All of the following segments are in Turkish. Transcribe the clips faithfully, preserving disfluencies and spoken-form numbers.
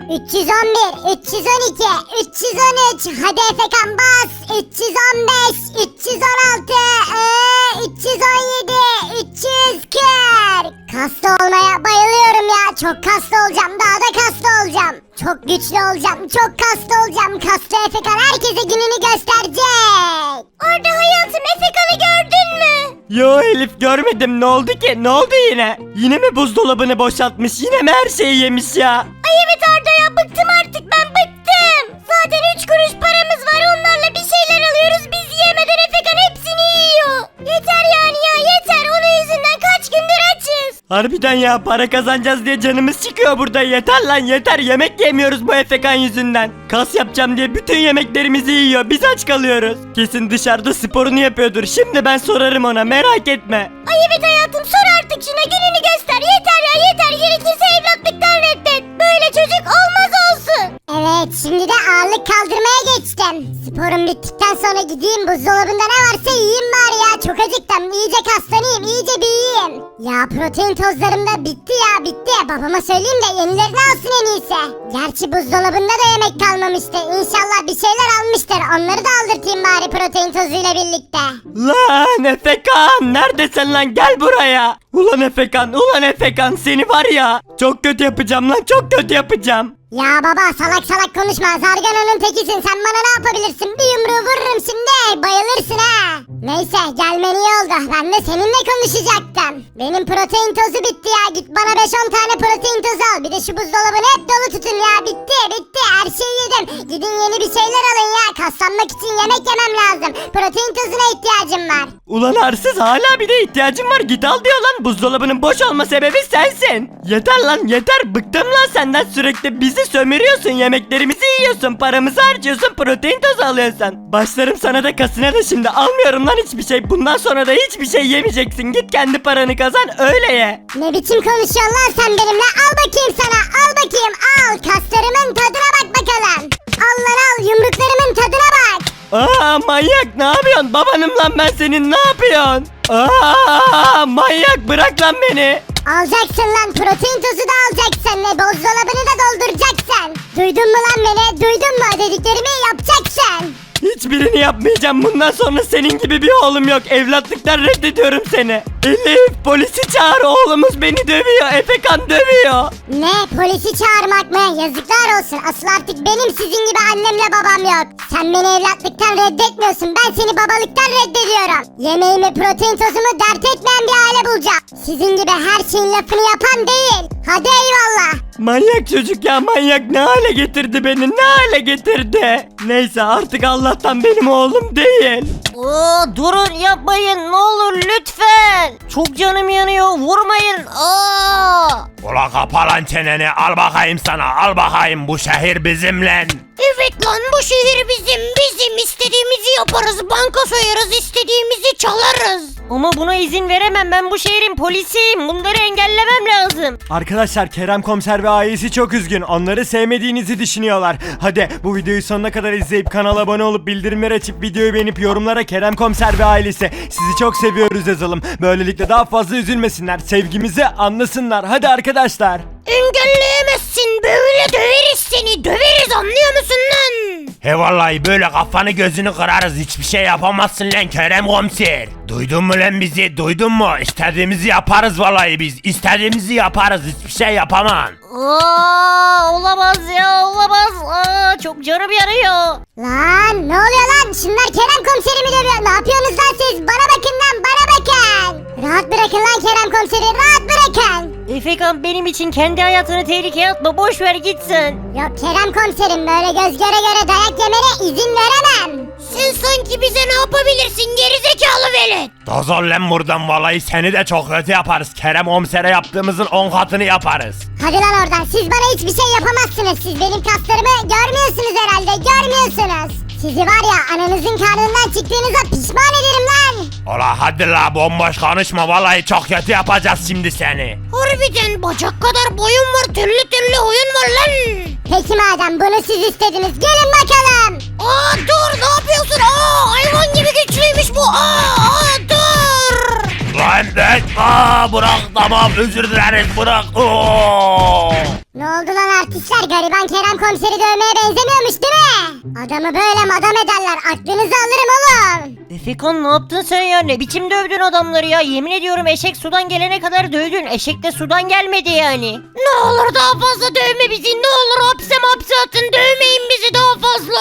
üç yüz on bir, üç yüz on iki, üç yüz on üç. Hadi Efekan bas. üç yüz on beş, üç yüz on altı, ee, üç yüz on yedi, üç yüz kırk. Kaslı olmaya bayılıyorum ya. Çok kaslı olacağım. Daha da kaslı olacağım. Çok güçlü olacağım. Çok kaslı olacağım. Kaslı Efekan herkese gününü gösterecek. Orada hayatım, Efekan'ı gördün mü? Yo Elif, görmedim. Ne oldu ki? Ne oldu yine? Yine mi buzdolabını boşaltmış? Yine mi her şeyi yemiş ya? Ay evet Arda ya, bıktım artık, ben bıktım. Zaten üç kuruş paramız var, onlarla bir şeyler alıyoruz. Biz yemeden Efekan hepsini yiyor. Yeter yani ya, yeter. Onun yüzünden kaç gündür açız. Harbiden ya, para kazanacağız diye canımız çıkıyor burada. Yeter lan yeter, yemek yemiyoruz bu Efekan yüzünden. Kas yapacağım diye bütün yemeklerimizi yiyor, biz aç kalıyoruz. Kesin dışarıda sporunu yapıyordur. Şimdi ben sorarım ona, merak etme. Ay evet hayatım, sor artık şuna, gününü göster. Yeter ya yeter, gerekirse evlatlıktan reddet. Böyle çocuk olmaz olsun. Evet, şimdi de ağırlık kaldırmaya geçtim. Sporum bittikten sonra gideyim, buzdolabında ne varsa yiyeyim bari ya. Çok acıktım, iyice kaslanayım, iyice büyüyeyim. Ya protein tozlarım da bitti ya, bitti. Babama söyleyeyim de yenilerini alsın en iyisi. Gerçi buzdolabında da yemek kalmamıştı. İnşallah bir şeyler almıştır. Onları da aldırtayım bari protein tozuyla birlikte. Lan Efekan, neredesin lan? Gel buraya. Ulan Efekan, ulan Efekan, seni var ya çok kötü yapacağım lan, çok kötü yapacağım. Ya baba, salak salak konuşma. Zargana'nın tekisin. Sen bana ne yapabilirsin? Bir yumruğu vururum şimdi. Bayılırsın ha. Neyse, gelmen iyi oldu. Ben de seninle konuşacaktım. Benim protein tozu bitti ya. Git bana beş on tane protein tozu al. Bir de şu buzdolabını hep dolu tutun ya. Bitti bitti. Her şeyi yedim. Gidin yeni bir şeyler alın ya. Kaslanmak için yemek yemem lazım. Protein tozuna ihtiyacım var. Ulan arsız, hala bir de ihtiyacım var, git al diyor lan. Buzdolabının boş olma sebebi sensin. Yeter lan yeter, bıktım lan senden. Sürekli bizi sömürüyorsun, yemeklerimizi yiyorsun, paramızı harcıyorsun, protein tozu alıyorsun. Başlarım sana da kasına da şimdi. Almıyorum lan hiçbir şey. Bundan sonra da hiçbir şey yemeyeceksin. Git kendi paranı kazan, öyle ye. Ne biçim konuşuyorsun lan sen benimle? Al bakayım sana. Al bakayım al. Kaslarımın tadına bak bakalım. Al lan al. Yumruklarımın tadına bak. Aa manyak, ne yapıyorsun? Babanım lan ben senin, ne yapıyorsun? Aa manyak, bırak lan beni. Alacaksın lan, protein tozu da alacaksın ve buzdolabını da dolduracaksın. Duydun mu lan beni? Duydun mu? Dediklerimi yapacaksın. Hiçbirini yapmayacağım. Bundan sonra senin gibi bir oğlum yok. Evlatlıktan reddediyorum seni. Elif, polisi çağır, oğlumuz beni dövüyor. Efekan dövüyor. Ne? Polisi çağırmak mı? Yazıklar olsun. Asıl artık benim sizin gibi annemle babam yok. Sen beni evlatlıktan reddetmiyorsun. Ben seni babalıktan reddediyorum. Yemeğimi, protein tozumu dert etmeyen bir aile bulacağım. Sizin gibi her şeyin lafını yapan değil. Hadi eyvallah. Manyak çocuk ya, manyak. Ne hale getirdi beni, ne hale getirdi. Neyse, artık Allah'tan benim oğlum değil. Oo, durun yapmayın ne olur lütfen. Çok canım yanıyor, vurmayın. Aa! Ula kapa lan çeneni, al bakayım sana, al bakayım, bu şehir bizimle. Evet lan, bu şehir bizim, bizim istediğimizi yaparız, banka soyarız, istediğimizi çalarız. Ama buna izin veremem, ben bu şehrin polisiyim, bunları engellemem lazım. Arkadaşlar, Kerem Komiser ve ailesi çok üzgün. Onları sevmediğinizi düşünüyorlar. Hadi bu videoyu sonuna kadar izleyip kanala abone olup bildirimleri açıp videoyu beğenip yorumlara Kerem Komiser ve ailesi sizi çok seviyoruz yazalım. Böylelikle daha fazla üzülmesinler, sevgimizi anlasınlar. Hadi arkadaşlar. Engelleyemezsin, böyle döveriz seni, döveriz, anlıyor musun lan? He vallahi böyle kafanı gözünü kırarız, hiçbir şey yapamazsın lan Kerem Komiser. Duydun mu lan bizi, duydun mu? İstediğimizi yaparız vallahi biz, istediğimizi yaparız, hiçbir şey yapamam. Aa, olamaz ya, olamaz. Aa, çok canım yanıyor. Lan ne oluyor lan? Şunlar Kerem komiserimi dövüyor. Ne yapıyorsunuz lan siz? Bana bakın lan, bana bakın. Rahat bırakın lan Kerem komiseri, rahat bırakın. Efekan, benim için kendi hayatını tehlikeye atma, boş ver gitsin. Yok Kerem komiserim, böyle göz göre göre dayak yemene izin veremem. Sen sanki bize ne yapabilirsin gerizekalı velet? Dozol lan buradan, vallahi seni de çok kötü yaparız. Kerem Komiser'e yaptığımızın on katını yaparız. Hadi lan oradan, siz bana hiçbir şey yapamazsınız. Siz benim kaslarımı görmüyorsunuz herhalde, görmüyorsunuz. Sizi var ya, ananızın karnından çıktığınıza pişman ederim lan. Ola hadi la, bomboş konuşma, vallahi çok kötü yapacağız şimdi seni. Harbiden bacak kadar boyun var, türlü türlü oyun var lan. Peki madem bunu siz istediniz, gelin bakalım. Aa dur, ne yapıyorsun? Aa, hayvan gibi güçlüymüş bu. Aa, aa dur. Lan lan, aa, bırak, tamam, özür dileriz, bırak. Oo. Ne oldu lan artistler? Gariban Kerem komiseri dövmeye benzemiyormuş değil mi? Adamı böyle madam ederler. Aklınızı alırım oğlum. Efekan ne yaptın sen ya? Ne biçim dövdün adamları ya? Yemin ediyorum eşek sudan gelene kadar dövdün. Eşek de sudan gelmedi yani. Ne olur daha fazla dövme bizi. Ne olur hapse hapse atın. Dövmeyin bizi daha fazla.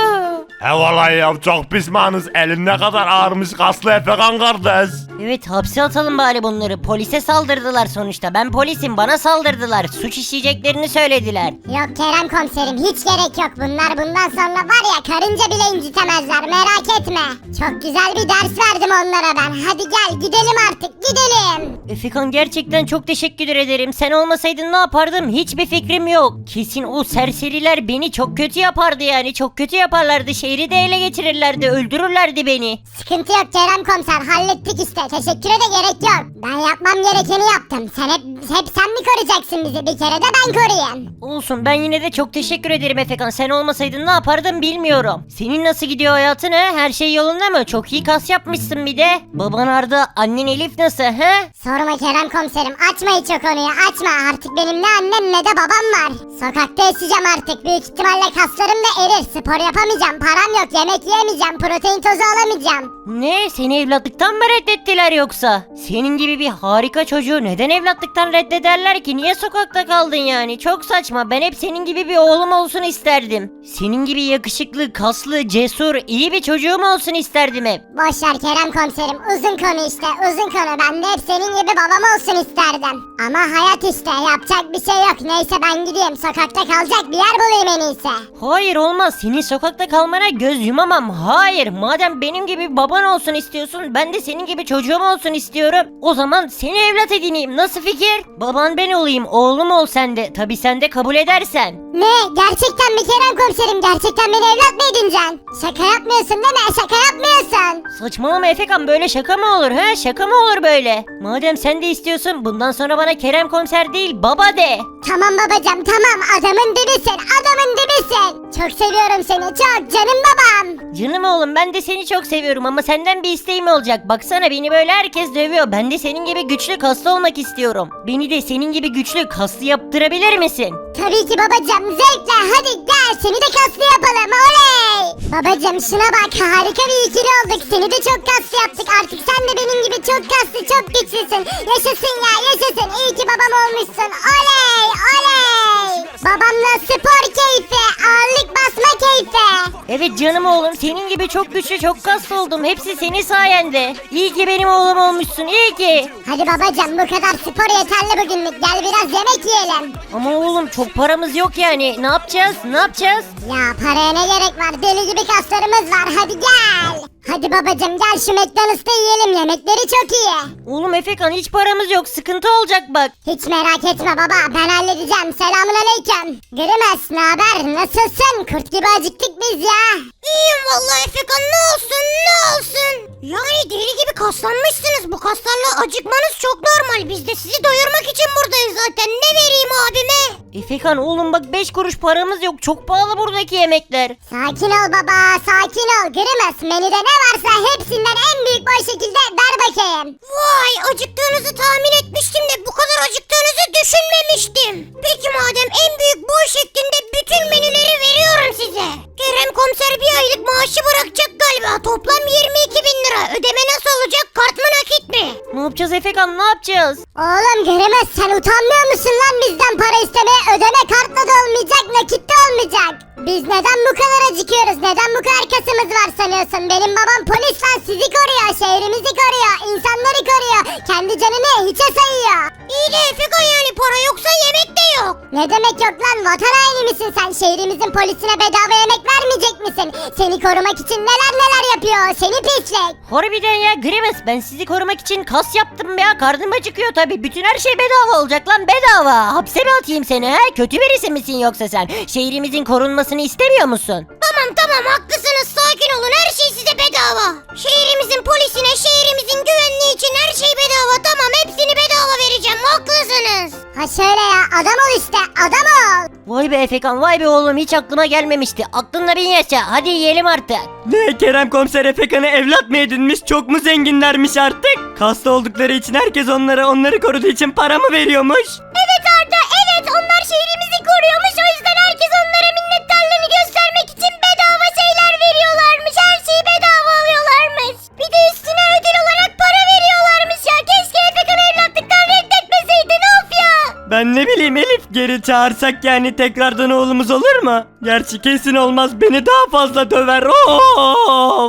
He vallahi ya çok pişmanız. Elin ne kadar ağırmış kaslı Efekan kardeş. Evet hapse atalım bari bunları. Polise saldırdılar sonuçta. Ben polisim, bana saldırdılar. Suç işleyeceklerini söylediler. Yok Kerem komiserim hiç gerek yok. Bunlar bundan sonra var ya karınca bile incitemezler merak etme. Çok güzel bir ders verdim onlara ben. Hadi gel gidelim artık gidelim. Efekan gerçekten çok teşekkür ederim. Sen olmasaydın ne yapardım? Hiçbir fikrim yok. Kesin o serseriler beni çok kötü yapardı yani. Çok kötü yaparlardı. Şehri de ele geçirirlerdi. Öldürürlerdi beni. Sıkıntı yok Kerem komiser hallettik işte. Teşekküre de gerek yok. Ben yapmam gerekeni yaptım. Sen hep, hep sen mi koruyacaksın bizi? Bir kere de ben koruyayım. Olsun ben yine de çok teşekkür ederim Efekan. Sen olmasaydın ne yapardım bilmiyorum. Senin nasıl gidiyor hayatın he? Her şey yolunda mı? Çok iyi kas yapmışsın bir de. Baban Arda, annen Elif nasıl he? Sorma Kerem komiserim açma hiç o konuyu açma. Artık benim ne annem ne de babam var. Sokakta yaşayacağım artık. Büyük ihtimalle kaslarım da erir. Spor yapamayacağım. Param yok. Yemek yiyemeyeceğim. Protein tozu alamayacağım. Ne? Seni evlatlıktan mı reddettiler yoksa? Senin gibi bir harika çocuğu neden evlatlıktan reddederler ki? Niye sokakta kaldın yani? Çok saçma. Ben hep senin gibi bir oğlum olsun isterdim. Senin gibi yakışıklı, kaslı, cesur, iyi bir çocuğum olsun isterdim hep. Boşver Kerem komiserim. Uzun konu işte. Uzun konu. Ben de hep senin gibi babam olsun isterdim. Ama hayat işte. Yapacak bir şey yok. Neyse ben gideyim. Sokakta kalacak bir yer bulayım en iyisi. Hayır olmaz. Senin sokakta kalmana göz yumamam. Hayır. Madem benim gibi baban olsun istiyorsun, ben de senin gibi çocuğum olsun istiyorum. O zaman seni evlat edineyim. Nasıl fikir? Baban ben olayım. Oğlum ol sen de. Tabii sen de kabul edersen. Ne? Gerçekten mi Kerem komiserim? Gerçekten beni evlat mı edineceksin? Şaka yapmıyorsun değil mi? Şaka yapmıyorsun. Saçmalama Efekan, böyle şaka mı olur he? Şaka mı olur böyle? Madem sen de istiyorsun, bundan sonra bana Kerem komiser değil baba de. Tamam babacığım tamam. Adamın dibisin. Adamın dibisin. Çok seviyorum seni. Çok canım babam. Canım oğlum, ben de seni çok seviyorum ama senden bir isteğim olacak. Baksana beni böyle herkes dövüyor. Ben de senin gibi güçlü kaslı olmak istiyorum. Beni de senin gibi güçlü kaslı yaptırabilir misin? Tabii ki babacığım. Zevkle. Hadi gel. Seni de kaslı yapalım. Oley. Babacığım şuna bak. Harika bir ikili olduk. Seni de çok kaslı yaptık. Artık sen de benim gibi çok kaslı, çok güçlüsün. Yaşasın ya yaşasın. İyi ki babam olmuşsun. Oley. Oley. Babamla spor keyfi. Ağırlık basma keyfi. Evet canım oğlum, senin gibi çok güçlü, çok kaslı oldum. Hepsi senin sayende. İyi ki benim oğlum olmuşsun, iyi ki. Hadi babacığım bu kadar spor yeterli bugünlük. Gel biraz yemek yiyelim. Ama oğlum çok paramız yok yani. Ne yapacağız? Ne yapacağız? Ya paraya ne gerek var? Deli gibi kaslarımız var. Hadi gel. Hadi babacığım gel şu McDonald's'ta yiyelim. Yemekleri çok iyi. Oğlum Efekan, hiç paramız yok. Sıkıntı olacak bak. Hiç merak etme baba. Ben halledeceğim. Selamun aleyküm. Grimez ne haber? Nasılsın? Kurt gibi acıktık biz ya. İyiyim vallahi Efekan, ne olsun ne olsun. Yani deli gibi kaslanmışsınız. Bu kaslarla acıkmanız çok normal. Biz de sizi doyurmak için buradayız zaten. Ne vereyim abime? Efekan oğlum bak, beş kuruş paramız yok. Çok pahalı buradaki yemekler. Sakin ol baba. Sakin ol. Grimez menüde ne varsa hepsinden en büyük boy şekilde ver bakayım. Vay, acıktığınızı tahmin etmiştim de bu kadar acıktığınızı düşünmemiştim. Peki madem en büyük boy şeklinde bütün menüleri veriyorum size. Kerem komiser bir aylık maaşı bırakacak galiba. Toplam yirmi iki bin lira. Ödeme nasıl olacak? Kart mı nakit mi? Ne yapacağız Efekan, ne yapacağız? Oğlum Grimez sen utanmıyor musun lan bizden para istemeye? Ödeme kartla da olmayacak, nakit de olmayacak. Biz neden bu kadar acıkıyoruz? Neden bu kadar kasımız var sanıyorsun? Benim babam polis lan, sizi koruyor, şehrimizi koruyor, insanları koruyor. Kendi canını hiçe sayıyor. İyi de Efekan, yani para yoksa yemek de yok. Ne demek yok lan? Vatan haini misin sen? Şehrimizin polisine bedava yemek vermeyecek misin? Seni korumak için neler neler yapıyor o seni pislik. Harbiden ya Grimes, ben sizi korumak için kas yaptım ya. Karnım acıkıyor tabi. Bütün her şey bedava olacak lan, bedava. Hapse mi atayım seni he? Kötü birisi misin yoksa sen? Şehrimizin korunmasını istemiyor musun? Tamam tamam, haklısınız, sakin olun, her şey size bedava. Şehrimizin polisine, şehrimizin güvenliği için her şey bedava. Tamam, hepsini bedava vereceğim, haklısınız. Ha şöyle ya, adam ol işte, adam ol. Vay be Efekan, vay be oğlum, hiç aklıma gelmemişti. Aklında bin yaşa, hadi yiyelim artık. Ne, Kerem komiser Efekan'ı evlat mı edinmiş? Çok mu zenginlermiş artık? Kaslı oldukları için herkes onlara, onları koruduğu için para mı veriyormuş? Evet Arda, evet onlar şehrimizi koruyormuş. O yüzden herkes onlara minnettarlığını göstermek için bedava şeyler veriyorlarmış. Her şeyi bedava alıyorlarmış. Bir de üstüne ödül olarak para veriyorlarmış ya. Keşke Efekan'ı evlatlıktan reddetmeseydin, of ya. Ben ne bileyim Elif, geri çağırsak yani tekrardan oğlumuz olur mu? Gerçi kesin olmaz, beni daha fazla döver. Of.